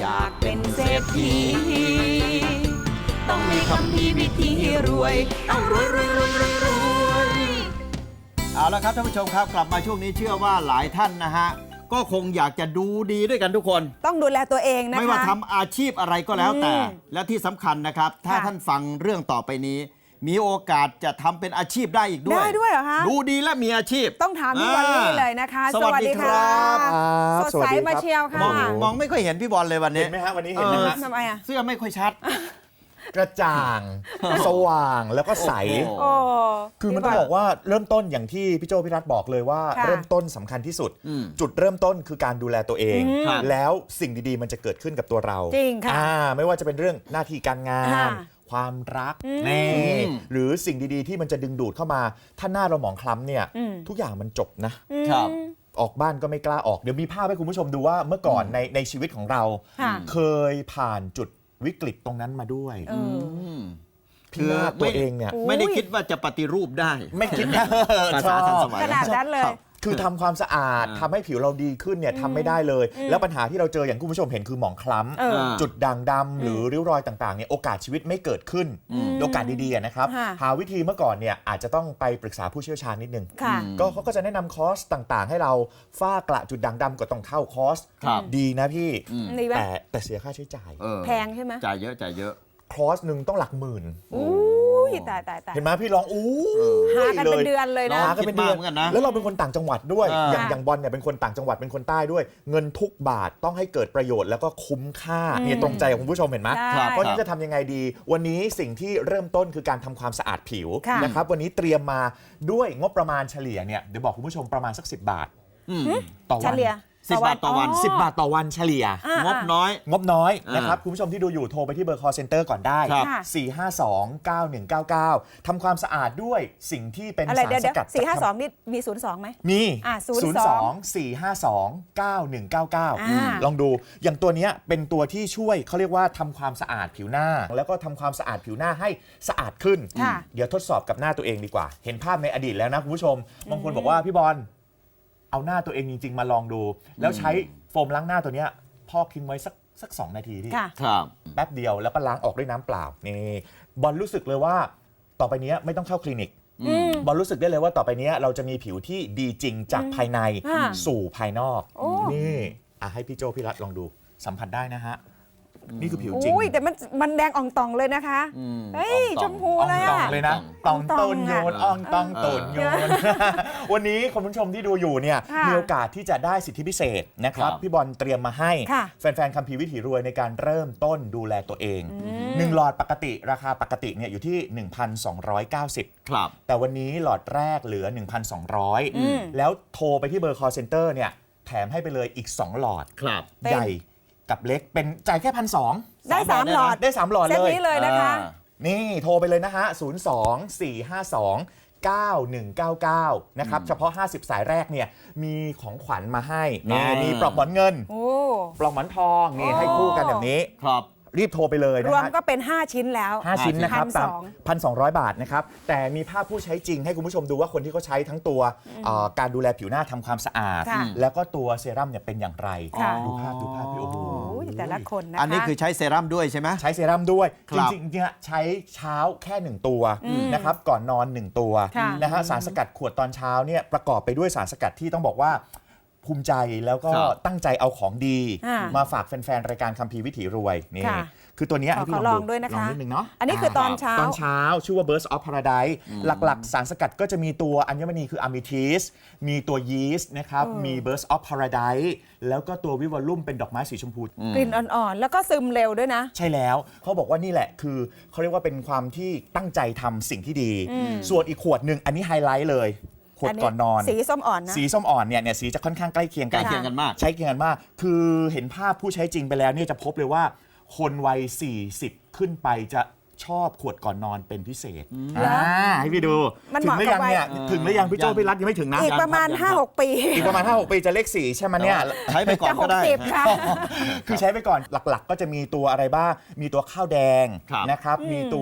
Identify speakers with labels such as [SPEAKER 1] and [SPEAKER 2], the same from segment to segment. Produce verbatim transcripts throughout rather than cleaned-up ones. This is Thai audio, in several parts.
[SPEAKER 1] อยากเป็นเศรษฐีต้องมีคำพีวิธีรวยต้องรวยรวยรวยรวยรวยเอาละครับท่านผู้ชมครับกลับมาช่วงนี้เชื่อว่าหลายท่านนะฮะก็คงอยากจะดูดีด้วยกันทุกคน
[SPEAKER 2] ต้องดูแลตัวเองนะคะ
[SPEAKER 1] ไม่ว่าทำอาชีพอะไรก็แล้วแต่และที่สำคัญนะครับถ้าท่านฟังเรื่องต่อไปนี้มีโอกาสจะทำเป็นอาชีพได้อีกด้วย
[SPEAKER 2] ได้ด้วยเหรอคะ
[SPEAKER 1] ดูดีและมีอาชีพ
[SPEAKER 2] ต้องถามพี่บอลลี่เลยนะคะ
[SPEAKER 1] สวัสดีครับ
[SPEAKER 2] สดใสมาเชียวค่ะ
[SPEAKER 1] มองมองไม่ค่อยเห็นพี่บอลเลยวันนี้
[SPEAKER 3] เห็นไหมฮะวันนี้เห็นไหมฮะ
[SPEAKER 2] ทำไมอ่ะ
[SPEAKER 1] เสื้อไม่ค่อยชัด
[SPEAKER 3] กระจ่างสว่างแล้วก็ใสคือมันต้องบอกว่าเริ่มต้นอย่างที่พี่โจพี่รัฐบอกเลยว่าเริ่มต้นสำคัญที่สุดจุดเริ่มต้นคือการดูแลตัวเองแล้วสิ่งดีๆมันจะเกิดขึ้นกับตัวเรา
[SPEAKER 2] จริงค่ะ
[SPEAKER 3] ไม่ว่าจะเป็นเรื่องหน้าที่การงานความรักนี่หรือสิ่งดีๆที่มันจะดึงดูดเข้ามาถ้าหน้าเราหมองคล้ำเนี่ยทุกอย่างมันจบนะครับออกบ้านก็ไม่กล้าออกเดี๋ยวมีภาพให้คุณผู้ชมดูว่าเมื่อก่อนในในชีวิตของเราเคยผ่านจุดวิกฤตตรงนั้นมาด้วยพี่นาตัวเองเนี่ย
[SPEAKER 1] ไม่ได้คิดว่าจะปฏิรูปได้
[SPEAKER 3] ไม่คิด
[SPEAKER 1] ภาษาทันสมัย
[SPEAKER 2] ขนาดนั้นเลย
[SPEAKER 3] คือทำความสะอาดทำให้ผิวเราดีขึ้นเนี่ยทำไม่ได้เลยแล้วปัญหาที่เราเจออย่างคุณผู้ชมเห็นคือหมองคล้ำจุดด่างดำหรือริ้วรอยต่างๆเนี่ยโอกาสชีวิตไม่เกิดขึ้นโอกาสดีๆนะครับหาวิธีเมื่อก่อนเนี่ยอาจจะต้องไปปรึกษาผู้เชี่ยวชาญนิดนึงก็เขาก็จะแนะนำคอร์สต่างๆให้เราฝ้ากระจุดด่างดำก็ต้องเข้าคอร์สดีนะพี่แต่แต่เสียค่าใช้จ่าย
[SPEAKER 2] แพงใช่ไหม
[SPEAKER 1] จ่ายเยอะจ่ายเยอะ
[SPEAKER 3] คอร์สหนึ่งต้องหลักหมื่น
[SPEAKER 2] ตายตายตาย
[SPEAKER 3] เห็นไหมพี่ลองอู้
[SPEAKER 2] หากันเป็นเดือนเลยนะ
[SPEAKER 3] หากันเป็นเดือนแล้วเราเป็นคนต่างจังหวัดด้วยอย่างอย่างบอลเนี่ยเป็นคนต่างจังหวัดเป็นคนใต้ด้วยเงินทุกบาทต้องให้เกิดประโยชน์แล้วก็คุ้มค่าเนี่ยตรงใจของคุณผู้ชมเห็นไหมเพราะฉะนั้นจะทำยังไงดีวันนี้สิ่งที่เริ่มต้นคือการทำความสะอาดผิวนะครับวันนี้เตรียมมาด้วยงบประมาณเฉลี่ยเนี่ยเดี๋ยวบอกคุณผู้ชมประมาณสักสิบบาทต่อวัน
[SPEAKER 1] สิบบาทต่อวัน
[SPEAKER 3] สิบบาทต่อวันเฉลี่ย
[SPEAKER 1] งบน้อย
[SPEAKER 3] งบน้อยนะครับคุณผู้ชมที่ดูอยู่โทรไปที่เบอร์ call center ก่อนได้สี่ ห้า สอง เก้า หนึ่ง เก้า เก้าทำความสะอาดด้วยสิ่งที่เป็นสารสกัด
[SPEAKER 2] สี่ ห้า สองนี่มีศูนย์สองไหม
[SPEAKER 3] มีศูนย์สอง สี่ ห้า สอง เก้า หนึ่ง เก้า เก้าลองดูอย่างตัวนี้เป็นตัวที่ช่วยเขาเรียกว่าทำความสะอาดผิวหน้าแล้วก็ทำความสะอาดผิวหน้าให้สะอาดขึ้นเดี๋ยวทดสอบกับหน้าตัวเองดีกว่าเห็นภาพในอดีตแล้วนะคุณผู้ชมบางคนบอกว่าพี่บอลเอาหน้าตัวเองจริงๆมาลองดูแล้วใช้โฟมล้างหน้าตัวนี้พอกทิ้งไว้สักสักสองนาทีพี่แป๊บเดียวแล้วก็ล้างออกด้วยน้ำเปล่านี่บอลรู้สึกเลยว่าต่อไปนี้ไม่ต้องเข้าคลินิกบอลรู้สึกได้เลยว่าต่อไปนี้เราจะมีผิวที่ดีจริงจากภายในสู่ภายนอกนี่อ่ะให้พี่โจพี่รัฐลองดูสัมผัสได้นะฮะนี่คือผิวจริง
[SPEAKER 2] แต่มันมันแดงอ่องตองเลยนะคะเฮ้ยชมพูเลย
[SPEAKER 3] อ่ะเลยนะตองต้นโยนอ่องตองต้นโยนวันนี้คุณผู้ชมที่ดูอยู่เนี่ยมีโอกาสที่จะได้สิทธิพิเศษนะครับพี่บอลเตรียมมาให้แฟนๆคัมภีร์วิถีรวยในการเริ่มต้นดูแลตัวเองหนึ่งหลอดปกติราคาปกติเนี่ยอยู่ที่ หนึ่งพันสองร้อยเก้าสิบ
[SPEAKER 1] ครับ
[SPEAKER 3] แต่วันนี้หลอดแรกเหลือ หนึ่งพันสองร้อย แล้วโทรไปที่เบอร์ call center เนี่ยแถมให้ไปเลยอีกสองหลอดใหญ่กับเล็กเป็นจ่ายแค่พันสอง
[SPEAKER 2] ได้สามหลอด
[SPEAKER 3] ได้สามหลอดเลย
[SPEAKER 2] เซตนี้เลยนะคะ
[SPEAKER 3] นี่โทรไปเลยนะฮะศูนย์ สอง สี่ ห้า สอง เก้า หนึ่ง เก้า เก้านะครับเฉพาะห้าสิบสายแรกเนี่ยมีของขวัญมาให้มีปลอกหมอนเงินปลอกหมอนทองนี่ให้คู่กันแบบนี้
[SPEAKER 1] ครับ
[SPEAKER 3] รีบโทรไปเลยนะ
[SPEAKER 2] รวมก็เป็นห้าชิ้นแล้ว
[SPEAKER 3] ห้าชิ้นนะครับตาม หนึ่งพันสองร้อย บาทนะครับแต่มีภาพผู้ใช้จริงให้คุณผู้ชมดูว่าคนที่เขาใช้ทั้งตัวการดูแลผิวหน้าทำความสะอาดแล้วก็ตัวเซรั่มเนี่ยเป็นอย่างไรดูภาพดูภาพพี่โอ้โห
[SPEAKER 2] แต่ละคนนะคะ
[SPEAKER 1] อันนี้คือใช้เซรั่มด้วยใช่ไหม
[SPEAKER 3] ใช้เซรั่มด้วยจริงๆเนี่ยใช้เช้าแค่หนึ่งตัวนะครับก่อนนอนหนึ่งตัวนะฮะสารสกัดขวดตอนเช้าเนี่ยประกอบไปด้วยสารสกัดที่ต้องบอกว่าภูมิใจแล้วก็ตั้งใจเอาของดีมาฝากแฟนๆรายการคัมภีร์วิถีรวยนี่คือตัวนี้ให้พี่ลอง
[SPEAKER 2] ด้วยนะคะ
[SPEAKER 3] ลองนิดนึงเนาะ
[SPEAKER 2] อันนี้คือตอนเช้า
[SPEAKER 3] ตอนเช้าชื่อว่า Burst of Paradise หลักๆสารสกัดก็จะมีตัวอัญมณีคืออะมิทิสมีตัวยีสต์นะครับมี Burst of Paradise แล้วก็ตัววิวอลลุ่มเป็นดอกไม้สีชมพู
[SPEAKER 2] กลิ่นอ่อนๆแล้วก็ซึมเร็วด้วยนะ
[SPEAKER 3] ใช่แล้วเขาบอกว่านี่แหละคือเขาเรียกว่าเป็นความที่ตั้งใจทำสิ่งที่ดีส่วนอีกขวดหนึ่งอันนี้ไฮไลท์เลยขวดก่อนนอน
[SPEAKER 2] สีส้มอ่อนนะ
[SPEAKER 3] สีส้มอ่อนเนี่ยเนี่ยสีจะค่อนข้างใกล้เคียง
[SPEAKER 1] กันใกล้เคียงกันมาก
[SPEAKER 3] ใช้เคียงกันมากคือเห็นภาพผู้ใช้จริงไปแล้วเนี่ยจะพบเลยว่าคนวัยสี่สิบขึ้นไปจะชอบขวดก่อนนอนเป็นพิเศษอ่าให้พี่ดูถึงหรือยังเนี่ยถึงหรือยังพี่โจ้พี่รัฐยังไม่ถึงนะ
[SPEAKER 2] อีกประมาณ ห้าหก ปี
[SPEAKER 3] อีกประมาณ ห้าหก ปีจะเลขสี่ใช่ไหมเนี่ย
[SPEAKER 1] ใช้ไปก่อนก็ได้
[SPEAKER 3] คือใช้ไปก่อนหลักๆก็จะมีตัวอะไรบ้างมีตัวข้าวแดงนะครับมีตัว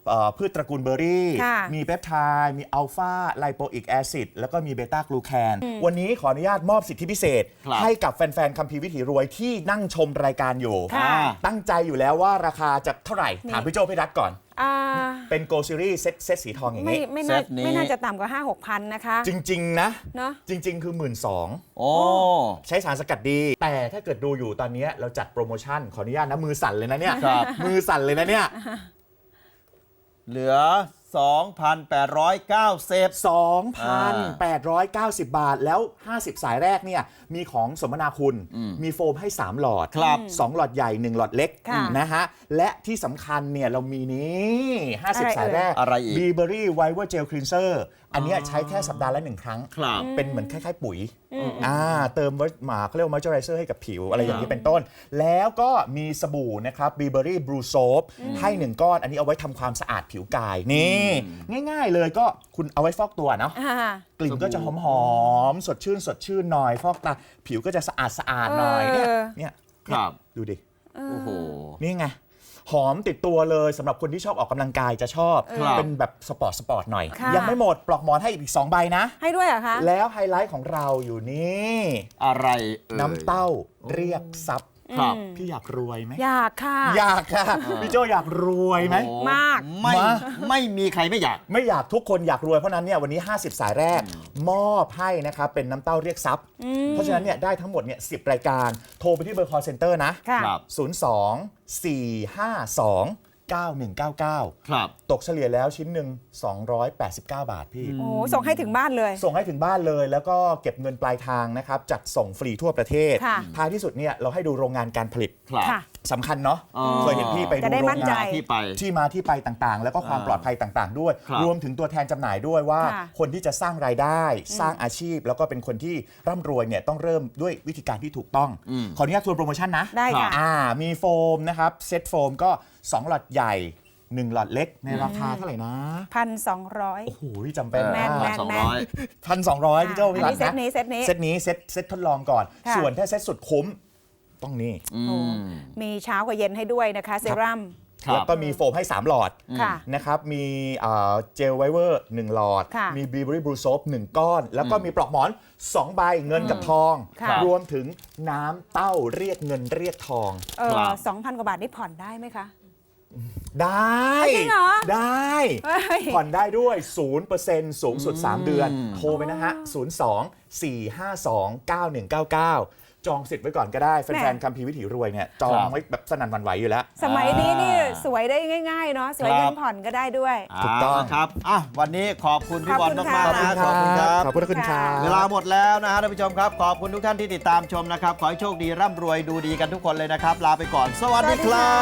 [SPEAKER 3] เอ่อพืชตระกูลเบอร์รี่
[SPEAKER 2] ค่ะ
[SPEAKER 3] มีเปปไทด์มีอัลฟาไลโปอิกแอซิดแล้วก็มีเบต้ากลูแคนวันนี้ขออนุญาตมอบสิทธิพิเศษ
[SPEAKER 1] ครับ
[SPEAKER 3] ให้กับแฟนๆคัมภีร์วิถีรวยที่นั่งชมรายการอยู่
[SPEAKER 2] ค่ะ
[SPEAKER 3] ตั้งใจอยู่แล้วว่าราคาจะเท่าไหร่ ถามพี่โจพี่รัฐก่อน
[SPEAKER 2] อ่า
[SPEAKER 3] เป็นโกลซีรีส์เซตเซตสีทองอย่าง
[SPEAKER 2] ไม่
[SPEAKER 3] นี้
[SPEAKER 2] ไม่น่า
[SPEAKER 1] เซตนี้
[SPEAKER 2] ไม่น่าจะต่ำกว่า ห้าหกพันนะคะ
[SPEAKER 3] จริง ๆ นะ
[SPEAKER 2] เนาะ
[SPEAKER 3] จริง ๆ คือ หนึ่งหมื่นสองพัน
[SPEAKER 1] โอ้
[SPEAKER 3] ใช้สารสกัดดี แต่ถ้าเกิดดูอยู่ตอนนี้เราจัดโปรโมชั่นขออนุญาตนะมือสั่นเลยนะเนี่ย
[SPEAKER 1] ครับ
[SPEAKER 3] มือสั่นเลยนะเนี่ย
[SPEAKER 1] เหลือ สองพันแปดร้อยเก้าสิบ
[SPEAKER 3] สองพันแปดร้อยเก้าสิบ บาทแล้ว ห้าสิบ สายแรกเนี่ยมีของสมนาคุณ มีโฟมให้ สาม หลอด
[SPEAKER 1] ครับ
[SPEAKER 3] สอง หลอดใหญ่ หนึ่ง หลอดเล็ก
[SPEAKER 2] ค่ะ
[SPEAKER 3] นะฮะ และที่สำคัญเนี่ยเรามีนี้ห้าสิบ
[SPEAKER 2] อะไรเอ่ย
[SPEAKER 3] สายแรก
[SPEAKER 1] อะไรอีก
[SPEAKER 3] บีเบอรี่ไวเวอร์เจลคลีนเซอร์อันเนี้ยใช้แค่สัปดาห์ละหนึ่งครั้ง
[SPEAKER 1] ครับ
[SPEAKER 3] เป็นเหมือนคล้ายๆปุ๋ยอ่าเติมหมาเขาเรียกว่ามอยเจอไรเซอร์ให้กับผิวอะไรอย่างนี้เป็นต้น แล้วก็มีสบู่นะครับบีเบอรี่บลูโซฟให้หนึ่งก้อน อันนี้เอาไว้ทำความสะอาดผิวกายนี่ง่ายๆเลยก็คุณเอาไว้ฟอกตัวเนาะ
[SPEAKER 2] อ่า
[SPEAKER 3] กลิ่นก็จะหอมๆ สดชื่น สดชื่นหน่อย ฟอกตา ผิวก็จะสะอาดสะอาดหน่อย เนี่ย
[SPEAKER 2] เออ
[SPEAKER 3] เนี่ย
[SPEAKER 1] ครับ
[SPEAKER 3] ดูดิ
[SPEAKER 1] โอ้โห
[SPEAKER 3] นี่ไง หอมติดตัวเลยสำหรับคนที่ชอบออกกำลังกายจะชอบ
[SPEAKER 1] ครับ
[SPEAKER 3] เป็นแบบสปอร์ตสปอร์ตหน่อย
[SPEAKER 2] ค่ะ
[SPEAKER 3] ยังไม่หมดปลอกหมอนให้อีกสองใบนะ
[SPEAKER 2] ให้ด้วยเหรอคะ
[SPEAKER 3] แล้วไฮไลท์ของเราอยู่นี่
[SPEAKER 1] อะไรเอ่ย
[SPEAKER 3] น้ำเต้าเรียกทรัพย์
[SPEAKER 1] ครับ
[SPEAKER 3] พี่อยากรวยไหม
[SPEAKER 2] อยากค่ะ
[SPEAKER 3] อยากค่ะ พี่โจอยากรวยไหม
[SPEAKER 1] โอ้
[SPEAKER 2] มาก
[SPEAKER 1] ไม่
[SPEAKER 3] มา
[SPEAKER 1] ไม่มีใครไม่อยาก
[SPEAKER 3] ไม่อยากทุกคนอยากรวยเพราะฉะนั้นเนี่ยวันนี้ ห้าสิบ สายแรก มอบให้นะครับเป็นน้ำเต้าเรียกทรัพย์ เพราะฉะนั้นเนี่ยได้ทั้งหมดเนี่ยสิบรายการโทรไปที่เบอร์ call center นะ
[SPEAKER 2] ค่ะ
[SPEAKER 1] ครับ
[SPEAKER 3] ศูนย์ สอง สี่ ห้า สอง เก้า หนึ่ง เก้า เก้า
[SPEAKER 1] ครับ
[SPEAKER 3] ตกเฉลี่ยแล้วชิ้นหนึ่งสองร้อยแปดสิบเก้า บาทพี่
[SPEAKER 2] โอ้ส่งให้ถึงบ้านเลย
[SPEAKER 3] ส่งให้ถึงบ้านเลยแล้วก็เก็บเงินปลายทางนะครับจัดส่งฟรีทั่วประเทศ
[SPEAKER 2] ค่ะ
[SPEAKER 3] ท้ายที่สุดเนี่ยเราให้ดูโรงงานการผลิต
[SPEAKER 1] ครับ
[SPEAKER 2] ค่ะ
[SPEAKER 3] สำคัญเนาะ
[SPEAKER 1] อ๋อ
[SPEAKER 3] เคยเห็นพี่ไปดู
[SPEAKER 2] จะได้
[SPEAKER 3] โร
[SPEAKER 2] มั่น
[SPEAKER 3] ง
[SPEAKER 2] ใจ
[SPEAKER 3] งาน
[SPEAKER 1] ที่ไป
[SPEAKER 3] ที่มาที่ไปต่างๆ แล้วก็ความ
[SPEAKER 1] อ่า
[SPEAKER 3] ปลอดภัยต่างๆ ด้วย
[SPEAKER 1] ครับ
[SPEAKER 3] รวมถึงตัวแทนจำหน่ายด้วยว่า
[SPEAKER 2] ค่ะ
[SPEAKER 3] คนที่จะสร้างรายได้สร้างอาชีพ แล้วก็เป็นคนที่ร่ำรวยเนี่ยต้องเริ่มด้วยวิธีการที่ถูกต้อง
[SPEAKER 1] อืม
[SPEAKER 3] ขออนุญาตทวนโปรโมชั่นนะ
[SPEAKER 2] ได้ค่ะ
[SPEAKER 3] อ่ามีโฟมนะครับเซ็ตโฟมก็สองหลอดใหญ่หนึ่งหลอดเล็กในราคาเท่าไหร่นะ
[SPEAKER 2] พันสองร้อย
[SPEAKER 3] โอ้โหจำเป็น
[SPEAKER 2] แม่น
[SPEAKER 3] มาก
[SPEAKER 2] แม่น
[SPEAKER 1] สองร้อย
[SPEAKER 3] พันสองร้อยพี่เจ้า
[SPEAKER 2] อัน
[SPEAKER 3] พี่รัต
[SPEAKER 2] นี้เซต
[SPEAKER 3] นะ
[SPEAKER 2] นี้เซตนี้
[SPEAKER 3] เซตนี้เซตเซตทดลองก่อน
[SPEAKER 2] ค่ะ
[SPEAKER 3] ส่วนถ้าเซตสุดคุ้มต้องนี่
[SPEAKER 1] อื
[SPEAKER 2] โอ้
[SPEAKER 1] ม
[SPEAKER 2] มีเช้ากับเย็นให้ด้วยนะคะเซรั่ม
[SPEAKER 1] ครับ
[SPEAKER 3] แล้วก็มีโฟมให้ สาม หลอด
[SPEAKER 2] ค่ะ
[SPEAKER 3] นะครับ มีเอ่อเจลไวเวอร์หนึ่งหลอด
[SPEAKER 2] ค่ะ
[SPEAKER 3] มีบีเบอรี่บลูโซฟหนึ่งก้อน แล้วก็มีปลอกหมอนสองใบเงินกับทอง
[SPEAKER 2] ค่ะ
[SPEAKER 3] รวมถึงน้ำเต้าเรียกเงินเรียกทอง
[SPEAKER 2] เอ
[SPEAKER 1] ครั
[SPEAKER 2] อบ สองพันกว่าบาทนี่ผ่อนได้ไหมคะ
[SPEAKER 3] ได้
[SPEAKER 2] จริงเหรอ
[SPEAKER 3] ได้
[SPEAKER 2] เฮ้ย
[SPEAKER 3] ผ่อนได้ด้วย ศูนย์เปอร์เซ็นต์ สูงสุด สาม เดือน โทรไปนะฮะ ศูนย์ สอง สี่ ห้า สอง เก้า หนึ่ง เก้า เก้า จองสิทธิ์ไว้ก่อนก็ได้ แฟนๆคัมภีร์วิถีรวยเนี่ยจองไว้แบบสนั่นหวั่นไหวอยู่แล้ว
[SPEAKER 2] สมัยนี้นี่สวยได้ง่ายๆเนาะสวย
[SPEAKER 1] ครับ
[SPEAKER 2] เงินผ่อนก็ได้ด้วย
[SPEAKER 3] ถูกต้อง
[SPEAKER 1] เาละครับอ่ะวันนี้ขอบคุณพี่
[SPEAKER 2] ข
[SPEAKER 1] บ
[SPEAKER 2] อ
[SPEAKER 1] อบ ล
[SPEAKER 2] คุณ
[SPEAKER 1] มาก
[SPEAKER 2] ค่ะ
[SPEAKER 1] ๆนะขอบคุณครับ
[SPEAKER 3] ขอบคุณครับ
[SPEAKER 1] เวลาหมดแล้วนะฮะท่านผู้ชมครับ ขอบคุณทุกท่านที่ติดตามชมนะครับ ขอให้โชคดีร่ำรวยดูดีกันทุกคนเลยนะครับ ลาไปก่อน สวัสดีครับ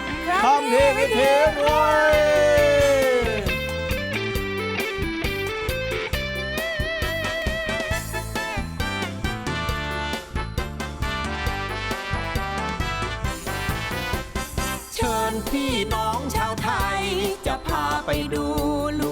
[SPEAKER 2] ครับ
[SPEAKER 1] คำพีวิถีรวย
[SPEAKER 4] เชิญพี่น้องชาวไทย จะพาไปดู